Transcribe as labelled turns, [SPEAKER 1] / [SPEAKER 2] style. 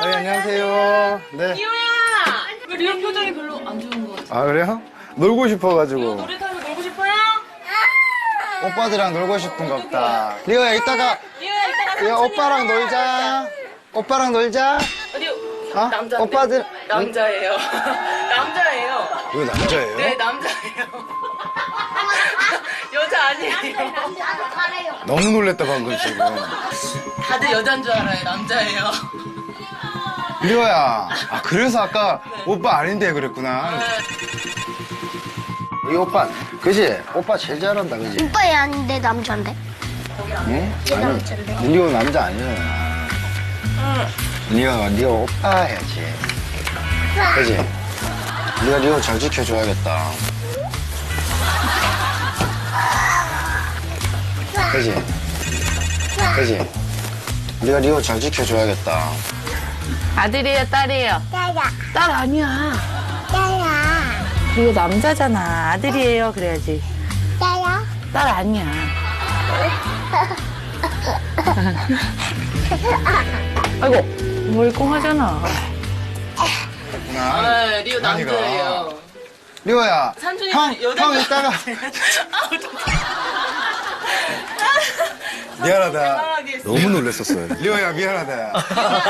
[SPEAKER 1] 안녕하세요. 네.
[SPEAKER 2] 리오야! 왜 리오 표정이 별로 안 좋은 것 같아?
[SPEAKER 1] 아, 그래요? 놀고 싶어가지고.
[SPEAKER 2] 놀이 타면서 놀고 싶어요?
[SPEAKER 1] 오빠들이랑 놀고 싶은가 보다. 리오야, 이따가,
[SPEAKER 2] 리오야, 이따가
[SPEAKER 1] 리오 오빠랑 놀자. 오빠랑 놀자.
[SPEAKER 2] 리오,
[SPEAKER 1] 어?
[SPEAKER 2] 남자인데.
[SPEAKER 1] 오빠들.
[SPEAKER 2] 남자예요. 남자예요.
[SPEAKER 1] 이거 남자예요?
[SPEAKER 2] 네, 남자예요. 여자 아니에요.
[SPEAKER 1] 너무 놀랬다, 방금 지금.
[SPEAKER 2] 다들 여잔 줄 알아요. 남자예요.
[SPEAKER 1] 리오야. 아, 그래서 아까 오빠 아닌데 그랬구나. 이 오빠, 그지? 오빠 제일 잘한다, 그지?
[SPEAKER 3] 오빠 얘 아닌데 남자인데?
[SPEAKER 1] 응?
[SPEAKER 3] 얘 남자인데?
[SPEAKER 1] 리오 남자 아니잖아. 리오 오빠 해야지. 그지? 네가 리오 잘 지켜줘야겠다. 그지? 그지? 네가 리오 잘 지켜줘야겠다.
[SPEAKER 4] 아들이에요, 딸이에요?
[SPEAKER 3] 야야
[SPEAKER 4] 딸 아니야.
[SPEAKER 3] 야야
[SPEAKER 4] 이거 남자잖아. 아들이에요, 그래야지.
[SPEAKER 3] 야야
[SPEAKER 4] 딸 아니야. 아이고, 멀쩡하잖아.
[SPEAKER 2] 네, 리오
[SPEAKER 1] 아니가.
[SPEAKER 2] 남자예요.
[SPEAKER 1] 리오야,
[SPEAKER 2] 삼촌이
[SPEAKER 1] 형
[SPEAKER 2] 여자-
[SPEAKER 1] 이따가. 미안하다.
[SPEAKER 2] 당황하게 했어요.
[SPEAKER 1] 너무 놀랬었어요. 리오야, 미안하다.